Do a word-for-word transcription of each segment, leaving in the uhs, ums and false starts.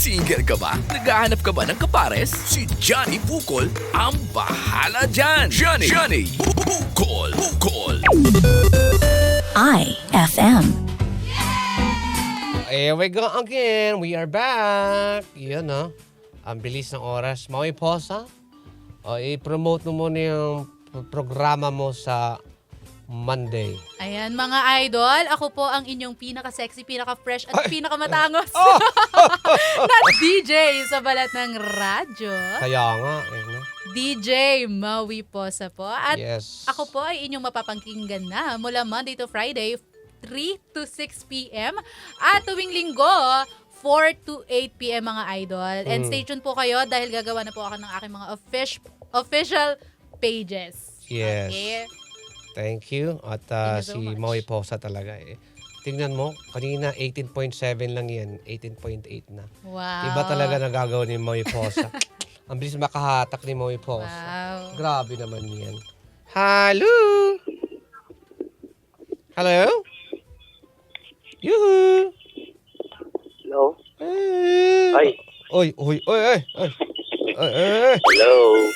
Single ka ba? Naghahanap ka ba ng kapares? Si Johnny Bukol ang bahala dyan! Johnny! Johnny! Bukol! Bukol! I F M. Here we go again. We are back. Yun, no? Ang bilis ng oras. Maui Posa, o, i-promote mo muna yung programa mo sa Monday. Ayan, mga idol, ako po ang inyong pinaka-sexy, pinaka-fresh at pinaka-matangos Oh! na D J sa balat ng radyo. Kaya nga. Eh, no? D J Maui Posa po. At Yes. ako po ay inyong mapapakinggan na mula Monday to Friday, three to six p.m. At tuwing linggo, four to eight p.m. mga idol. And Mm. stay tuned po kayo dahil gagawa na po ako ng aking mga offic- official pages. Yes. Okay? Thank you. At uh, Thank you so si much. Maui Posa talaga eh. Tingnan mo, kanina eighteen point seven lang yan. eighteen point eight na. Wow. Iba talaga nagagawa ni Maui Posa. Ang bilis makahatak ni Maui Posa. Wow. Grabe naman yan. Hello? Hello? Yoo-hoo! Hello? Eh. Ay. Oy, oy, oy, oy. Oy, oy, oy. Hello?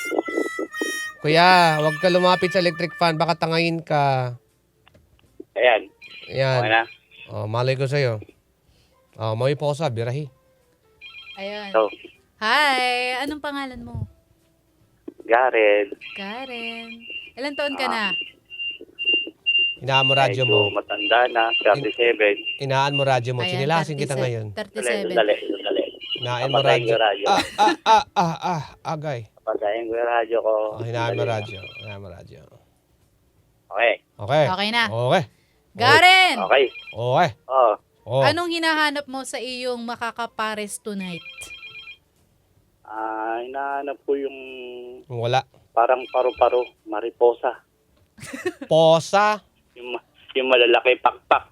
Kuya, huwag ka lumapit sa electric fan. Baka tangayin ka. Ayan. Yan. Okay na? Oh, malay ko sa'yo. Oh, Maui Posa, birahi. Ayun. So, Hi! Anong pangalan mo? Gareth. Karen. Ilan taon ka na? Inaan mo radyo mo. Medyo matanda na. thirty-seven. Inaan mo radyo mo. Ayan, Sinilasin kita thirty-seven. ngayon. Dali, thirty-seven. dali, dali. Inain mo Papatayin radyo. ko yung radyo. Ah, ah, ah, ah, ah, agay. Patayin ko yung radyo ko. Oh, hinaan mo Dali. radyo. Hinaan mo radyo. Okay. Okay. Okay na. Okay. Karen! Okay. Okay. Oh. Oh. Anong hinahanap mo sa iyong makakapares tonight? Ah, hinahanap ko yung Wala. parang paru-paro. Mariposa. Posa. Yung, ma- yung malalaki pakpak.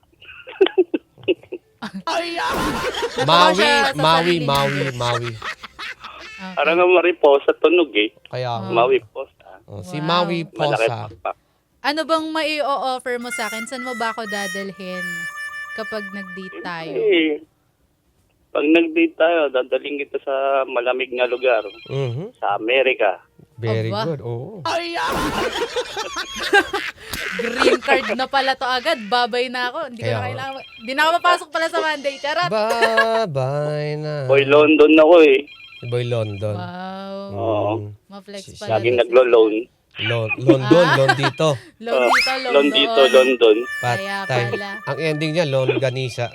Maui, siya sa Maui, sarili Maui, Maui. Okay. Parang ang mariposa tunog eh. Kaya, Maui posa. oh, si Wow. Maui Malaki Posa. pakpak. Ano bang mai-o-offer mo sa akin? Saan mo ba ako dadalhin kapag nag-date tayo? Eh, pag nag-date tayo, dadaling kita sa malamig na lugar. Mhm. Sa Amerika. Very Aba. good. Oo. Green card na pala to agad. Babay na ako. Hindi ko Kaya na nga. kailangan. Hindi na ako mapasok pala sa Monday. Charot. Bye-bye na. Boy, London ako eh. Si Boy London. Wow. Oo. Mm. Ma-flex Si- pala. Laging to si- naglo-loan. Lon- London, Ah? Lon dito. Loan dito, loan Loan doon. dito, London. Kaya Patay. pala. Ang ending niya, Lon Ganisa.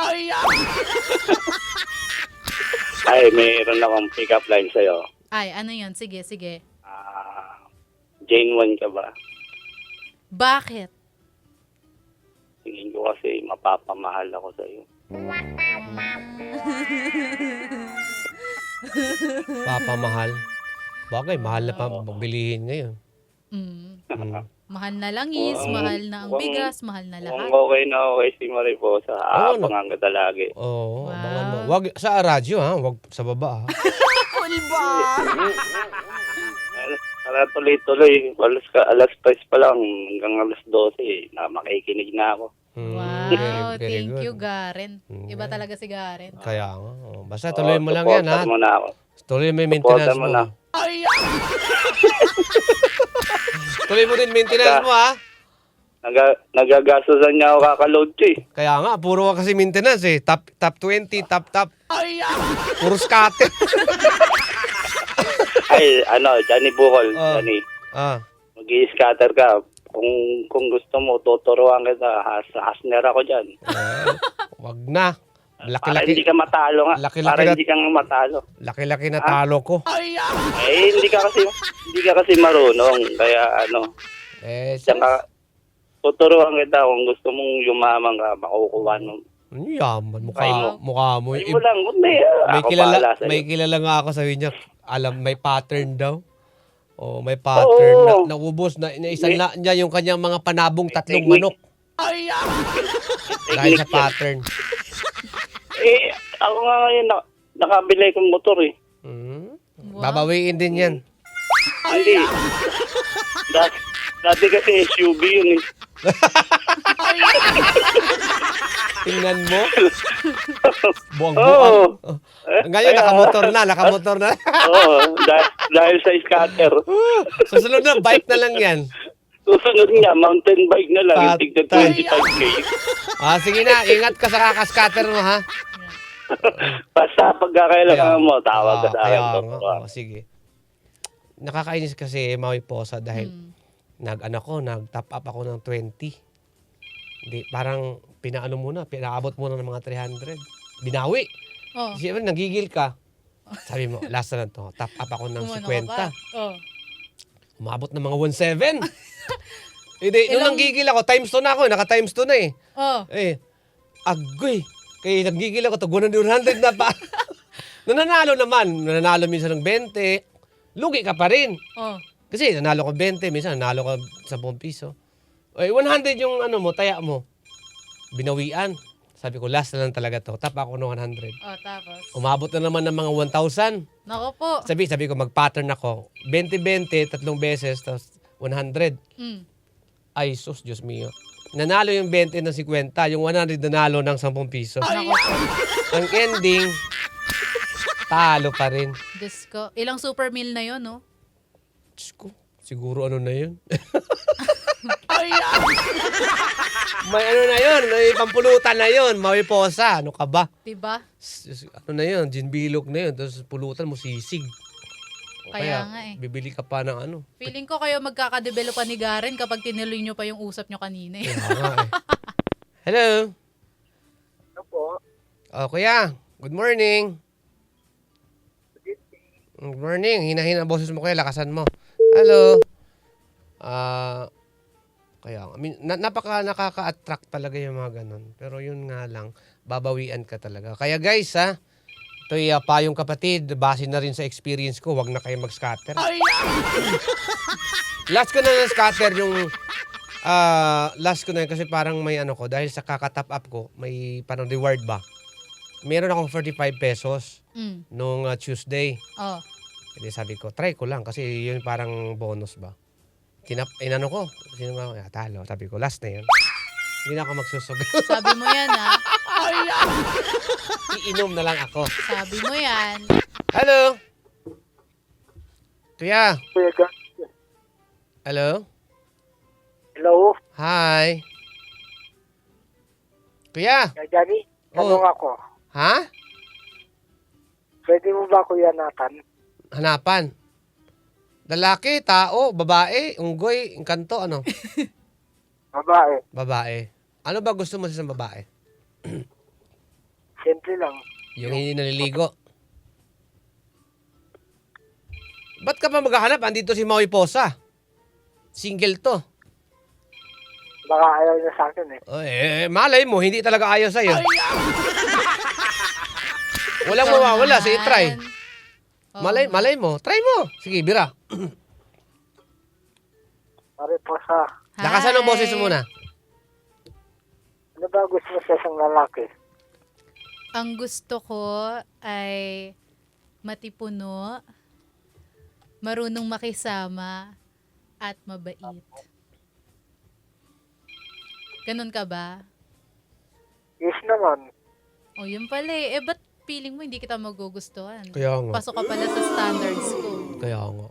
Ay, mayroon akong pick-up line sa'yo. Ay, ano yun? Sige, sige. Ah, Jane Wan ka ba? Bakit? Tingin ko kasi mapapamahal ako sa'yo. Papamahal. Bagay, mahal na pa bilihin ngayon. Mm. Mm. Mahal na langis, Wow. mahal na ang Wow. bigas, mahal na lahat. Kung okay na okay si Mariposa, Oo, no. aabangan ka lagi. Oo, Wow. abangan mo. Wag sa radyo ha, wag sa baba ha. Tara tuloy-tuloy. Alas, ka, alas tres pa lang hanggang alas dose eh, na makikinig na ako. Mm, Wow, very, very thank good. you, Garen. Mm. Iba talaga si Garen. Kaya nga. oh. Basta tuloy mo lang yan ha. supportan mo na ako. Tuloy mo yung maintenance Supportan mo. mo na. Tuloy mo din maintenance mo ha. Naga, nagagastosan niya ako kakaload ko eh. Kaya nga, puro ka kasi maintenance eh. Top top twenty, top top. Puro scatter. Ay, ano, Johnny Bukol, Ah. Johnny. ah. Mag-i-scatter ka. Kung kung gusto mo, tuturuan kita. Has, hasner ako dyan. Eh, wag na. Para hindi Laki-laki. ka matalo nga. Laki-laki Para na- hindi kang matalo. Laki-laki na talo ko. Eh, hindi ka kasi hindi ka kasi marunong. Kaya ano, Eh, diyan ka, tuturuan kita kung gusto mong yumaman ka, makukuha mo. ano yaman? Mukha, Try mo. mukha mo. Ay Eh, mo lang, kundi may ako kilala, bahala sa'yo. may kilala nga ako sabi niya. Alam, may pattern daw. Oh, may pattern Oo. na naubos na inaisan May- na niya yung kanyang mga panabong tatlong technique. manok dahil sa Technique yan. pattern. Eh, ako nga ngayon, na, nakabili kong motor eh. Hmm? Wow. Babawiin din yan. Hindi. Dati, dati kasi S U V yun eh. Tingnan mo. Buwang Oo. buwang. Ngayon, nakamotor na, nakamotor na. Oo, dahil, dahil sa scatter. Susunod na, bike na lang yan. Susunod nga, mountain bike na lang, yung tigda Patay. twenty-five K. Ah, sige na, ingat ka sa kakascatter mo, ha? Basta pagkakailangan mo, tawag ka Ah, sa kaya akin. nga. Dok. Oh, sige. Nakakainis kasi Maui Posa dahil Mm. nag ano ko, nag-top up ako ng twenty. Hindi, parang pinaano muna, pinaabot muna ng mga three hundred. Binawi. Oh. Siyempre, nagigil ka. Sabi mo, last na lang to. Top up ako ng Umano ka fifty. pa. Oh. Umabot ng mga one seven. Hindi, nung Ilang- nanggigil ako, times two na ako, naka-times two na eh. Oh. Eh, agoy. Kaya nanggigil ako, tagunan one hundred na pa. Nananalo naman, nananalo minsan ng twenty. Lugi ka pa rin. Oh. Kasi nanalo ko twenty, minsan nanalo ka ten piso. Eh, one hundred yung ano mo, taya mo. Binawian. Sabi ko, last na lang talaga to. Tap ako ng one hundred. Oh, tapos. Umabot na naman ng mga one thousand. Nako po. Sabi, sabi ko, mag-pattern ako. twenty twenty, tatlong beses, tapos one hundred. Mm. Ay, sus, Diyos mio. Nanalo yung twenty ng fifty, yung one hundred nanalo ng ten piso. Nako po. Ang ending, talo pa rin. Diyos ko. Ilang super meal na yon, no? Diyos ko, siguro ano na yun? May ano na yun, may pampulutan na yun, Maui Posa, ano ka ba? Diba? S- Ano na yun, gin bilog na yun, tapos pulutan mo sisig. O Kaya nga eh. Bibili ka pa ng ano. Feeling ko kayo magkakadevelopan ni Garen kapag tinuloy nyo pa yung usap nyo kanina eh. Kaya nga eh. Hello? Ano po? Oh, kuya, good morning. Good morning, hina-hina ang boses mo kuya, lakasan mo. Hello? Ah... Kaya, I mean, na, napaka nakaka-attract talaga yung mga ganun. Pero yun nga lang, babawian ka talaga. Kaya guys, ha, ito'y uh, payong kapatid, base na rin sa experience ko, wag na kayo mag-scatter. Last ko na na-scatter yung, ah, last ko na yun kasi parang may ano ko, dahil sa kaka-top up ko, may parang reward ba? Meron akong forty-five pesos Mm. nung uh, Tuesday. Oh. Hindi sabi ko, try ko lang kasi yun parang bonus ba? Tinap, inano ko. Sino nga ako? Talo. Sabi ko, last na yun. Hindi na ako magsusugal. Sabi mo yan ha. Iinom na lang ako. Sabi mo yan. Hello? Kuya? Kuya Gan. Hello? Hello? Hi? Kuya? Kuya Johnny, tanong ako. Ha? Pwede mo ba Kuya Nathan? Hanapan. Lalaki, tao, babae, unggoy, engkanto, ano? Babae. Babae. Ano ba gusto mo sa isang babae? Siyempre lang. Yung hindi naliligo. Ba't ka pa maghahanap? Andito si Maui Posa. Single to. Baka ayaw niya sa akin eh. Oh, eh, malay mo, hindi talaga ayaw sa'yo. Walang Ikaw mawawala, sige, naman. try. Oo Malay, nga. malay mo. Try mo. Sige, bira. Pare po sa, Lakasan ang Hi. boses mo muna. ano ba gusto mo sa isang lalaki? Ang gusto ko ay matipuno, marunong makisama, at mabait. Ganon ka ba? Yes naman. O yun pala eh. Eh ba't feeling mo hindi kita magugustuhan? Kaya nga. Pasok ka pala sa standards ko. Kaya nga.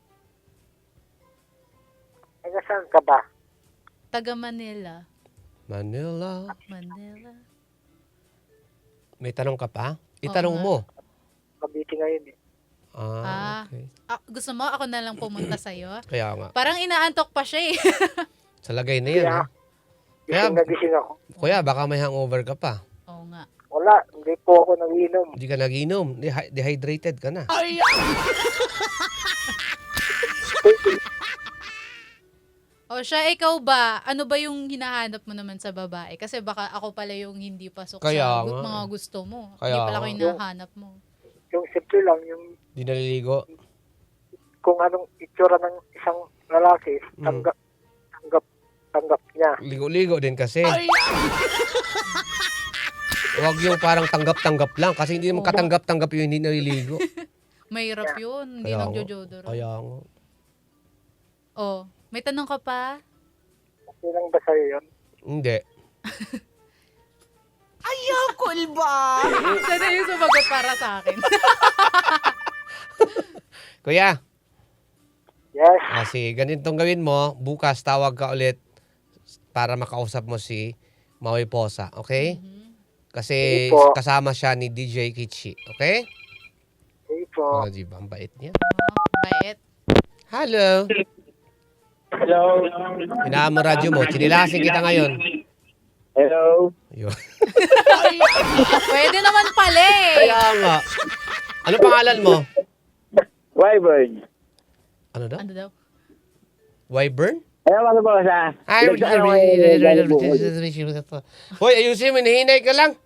Taga saan ka ba? Taga Manila. Manila. Manila. May tanong ka pa? Itanong Oo nga. mo. Kabiti ngayon eh. Ah, Ah. okay. Ah, gusto mo ako na lang pumunta sa'yo? Kaya nga. Parang inaantok pa siya eh. Sa lagay na yan, ha? Kaya- Gising na gising ako. Kuya, baka may hangover ka pa. Oo nga. Wala, hindi po ako nag-inom. Hindi ka nag-inom. Dehy- dehydrated ka na. O siya, ikaw ba? Ano ba yung hinahanap mo naman sa babae? Kasi baka ako pala yung hindi pasok Kaya sa gu- nga mga eh. gusto mo. Kaya hindi pala ako nga. yung hinahanap mo. Yung simple lang, yung Di naliligo. kung anong itsura ng isang lalaki, Mm. tanggap, tanggap, tanggap niya. Ligo-ligo din kasi. Huwag yung parang tanggap-tanggap lang. Kasi hindi naman Oo. katanggap-tanggap yung hindi naliligo. Mahirap yun. Hindi Kaya nga. nagjojodoro. Kaya nga. Oh, may tanong ka pa? Okay lang ba sa'yo yun? Hindi. Siya na yung sumagot para sa akin. Kuya, Yes. ah, si ganitong gawin mo, bukas tawag ka ulit para makausap mo si Maui Posa, okay? Kasi Sige po. kasama siya ni D J Kichi, okay? Okay po. Oh, di ba? Ang bait niya. Bait. Hello. Hello. Hinaan mo radyo mo. Chinilasin kita ngayon. Hello. Yun. Pwede naman pala eh. Kaya nga. Ano pangalan mo? Wyvern. Ano daw? Ano daw? Wyvern? Ano ba ba sa? Ay, Hoy, ayusin mo. Hinihinay ka lang.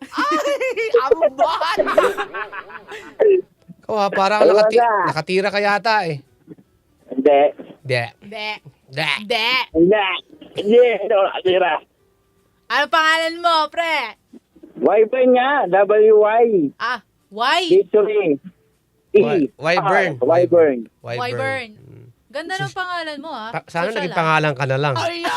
Ikaw ha, parang Ano ba nakati- na? nakatira ka yata eh. Hindi. Di. De. Di. De. Hindi. Hindi. Hindi ako nakatira. Ano pangalan mo, pre? Wyvern nga. W Y. Ah, why? Victory. E. Wy- Wyvern. Ah, Wyvern. Wyvern. Ganda ng pangalan mo, ah. Ta- sana Social, naging ah. pangalan ka na lang.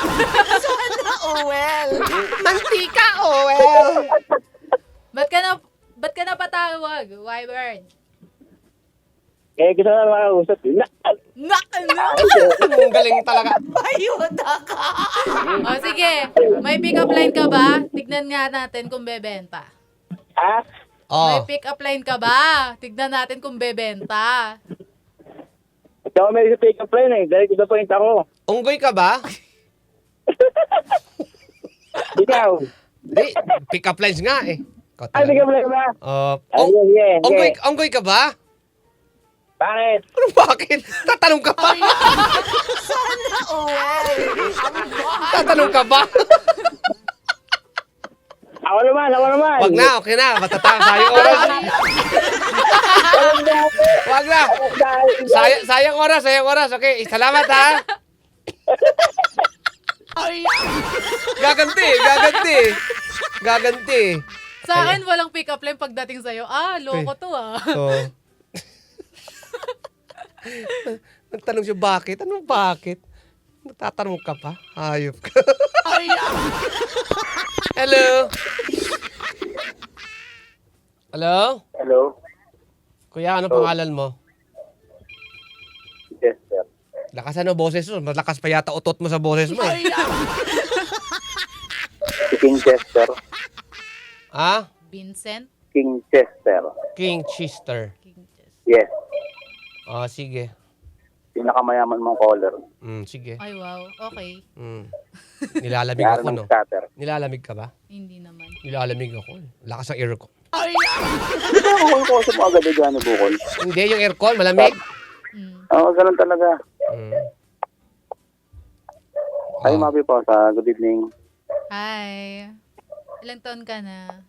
Mantika, oh, well. Ba't ka na, ba't ka na patawag, Wyvern? Eh, gusto na makausap. Na, Na, na. Ang galing talaga. O, sige. May pick-up line ka ba? Tignan nga natin kung bebenta. ha? Oh. May pick-up line ka ba? Tignan natin kung bebenta. Ito ako may pick up line eh. Dahil gusto point ako. Unggoy ka ba? Ikaw. Di, pick up lines nga eh. Ikaw Ay, pick talaga. up line ba? Oh, Ay, ong- yeah, yeah, onggoy, yeah. onggoy ka ba? Bakit? Ano bakit? Tatanong ka pa? Tatanong ka ba? Ako naman, ako naman. Wag na, okay na. Matatang sayang oras. Walang dati. Wag na. Dahil- Sayang, sayang oras, sayang oras. Okay, salamat ha. Gaganti, gaganti. Gaganti. Sa akin, walang pick-up line pagdating sa'yo. Ah, loko to, ah. Oh. Nagtanong siya bakit? Anong bakit? Nagtatanong ka pa? Hayop ka. Hello? Hello? Hello? Kuya, ano Oh. pangalan mo? Yes, sir. Lakasan mo boses mo. Malakas pa yata utot mo sa boses mo eh. Si King Chester. Ha? Vincent? King Chester. King Chester. King Chess. Yes. Oh, sige. Pinakamayaman mong caller. Mm, sige. Ay, wow. Okay. Mm. Nilalamig Yari ako, ng no? starter. Nilalamig ka ba? Hindi naman. Nilalamig ako. eh. Lakas ng aircon. Bukol ko sa mga agad dyan, bukol. Hindi, yung aircon, malamig. Mm. Oo, ganun talaga. Mm. Ay, Oh. Mapi po sa good evening. Hi. Ilang taon ka na?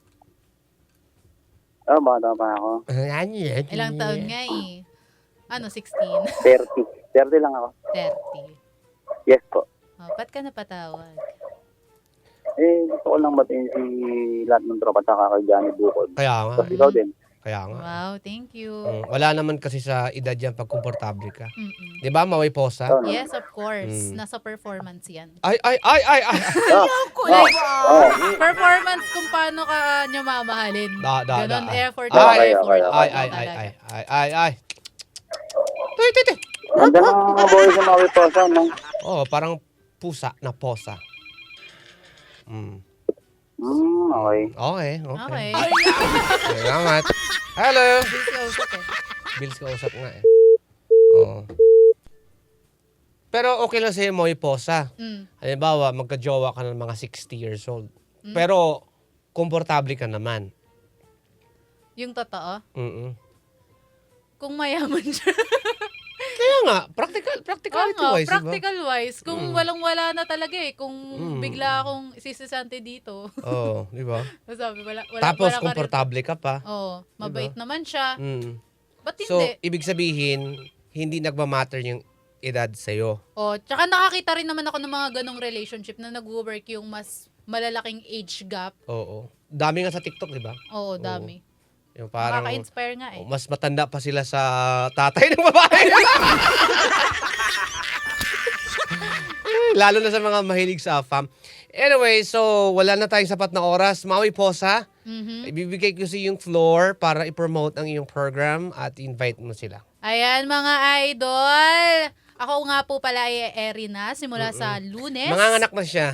Oh, bata pa ako. Ilang taon nga eh. Ano, sixteen? thirty. thirty lang ako. thirty. Yes po. Oh, ba't ka napatawag? Eh, gusto ko lang batiin si lahat ng tropa at saka kay Johnny Bukol. Kaya nga. Tapos ikaw din. Kaya nga. Wow, thank you. Mm, wala naman kasi sa edad yan pag komportable ka. Mm-mm. Di ba, Maui Posa? Oh, no. Yes, of course. Mm. Nasa performance yan. Ay, ay, ay, ay, ay. Like, Oh, performance kung paano ka nyo mamahalin. Da, da, Ganon, da, ay. effort. Ay, ay, effort. ay, Ay, ay, ay, ay, ay, ay, ay. Tuy, tuy, tuy. ganda ng mga boy sa Maui Posa, no? Oh, parang pusa na posa. Mm. Hmm, okay. Okay, okay. Okay. Salamat. Hello. Busy kausap eh. Bills ka usap nga eh. Oo. Pero okay lang sa'yo, Maui Posa. Mm. Halimbawa, magka-jowa ka ng mga sixty years old. Pero, komportable ka naman. Yung totoo, Mm-mm. kung mayaman siya. Kaya nga, practical, Oo practicality nga, wise, diba? practical wise. Kung Mm. walang-wala na talaga eh. Kung Mm. bigla akong sisisante dito. Oo, di ba? Sabi, wala, wala, Tapos, wala ka rin- komportable ka pa. Oo, mabait naman siya. Mm. Ba't So, hindi? ibig sabihin, hindi nagmamatter yung edad sa'yo. Oh, tsaka nakakita rin naman ako ng mga ganong relationship na nag-work yung mas malalaking age gap. Oo. Dami nga sa TikTok, di ba? Oo, dami. Yung parang, Nakaka-inspire nga eh. oh, mas matanda pa sila sa tatay ng babae. Ay, Lalo na sa mga mahilig sa A F A M. Anyway, so wala na tayong sapat na oras. Maui Posa, Mhm. ibibigay ko sa yung floor para i-promote ang iyong program at invite mo sila. Ayan mga idol. Ako nga po pala ay eri na simula sa Lunes. Manganganak na siya.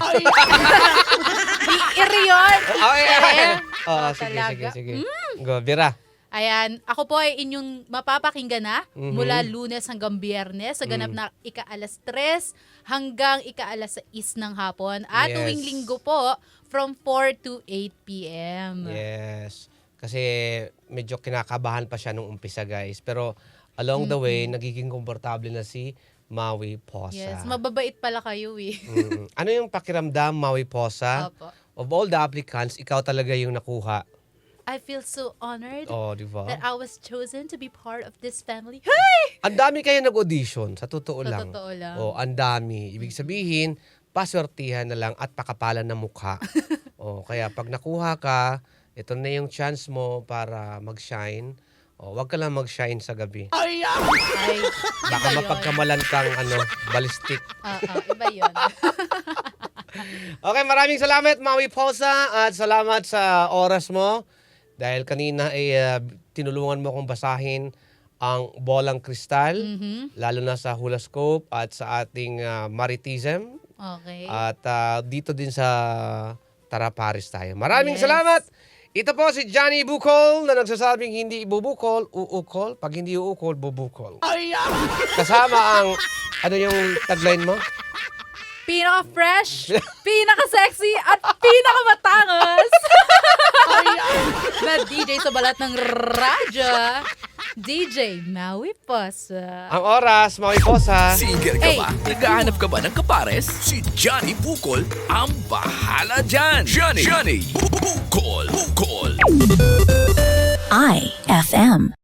Iri yun. Okay. Eh, Oo, oh, sige, talaga. sige, sige. Go, Vera. Ayan, ako po ay inyong mapapakinggan na Mhm. mula Lunes hanggang Biyernes sa ganap Mm. na ika-alas tres hanggang ika-alas sais ng hapon. At Yes. tuwing linggo po from four to eight p.m. Yes. Kasi medyo kinakabahan pa siya nung umpisa, guys. Pero along the way, nagiging komportable na si Maui Posa. Yes, mababait pala kayo eh. Mm. Ano yung pakiramdam, Maui Posa? Opo. Of all the applicants, ikaw talaga yung nakuha. I feel so honored Oh, di ba? that I was chosen to be part of this family. Hey! Ang dami kayo nag-audition, sa totoo Sa lang. totoo lang. Oh, ang dami. Ibig sabihin, paswertihan na lang at pakapalan ng mukha. Oh, kaya pag nakuha ka, ito na yung chance mo para mag-shine. Oh, wag ka lang mag-shine sa gabi. Ay, Baka iba yun. mapagkamalan kang ano, ballistic. Ah, ah, iba yun. Okay, maraming salamat, Maui Posa, at salamat sa oras mo. Dahil kanina ay uh, tinulungan mo akong basahin ang bolang kristal, Mhm. lalo na sa horoscope at sa ating uh, maritism. Okay. At uh, dito din sa Tara Paris tayo. Maraming Yes. salamat! Ito po si Johnny Bukol na nagsasabing hindi ibubukol, uukol. Pag hindi uukol, bubukol. Kasama ang, ano yung tagline mo? Pinaka-fresh, pinaka-sexy, at pinaka-matangas na D J sa balat ng radyo, D J Maui Posa. Ang oras, Maui Posa. Single ka Hey. ba? Naghahanap ka ba ng kapares? Si Johnny Bukol ang bahala dyan. Johnny, Johnny Bukol, Bukol. I F M.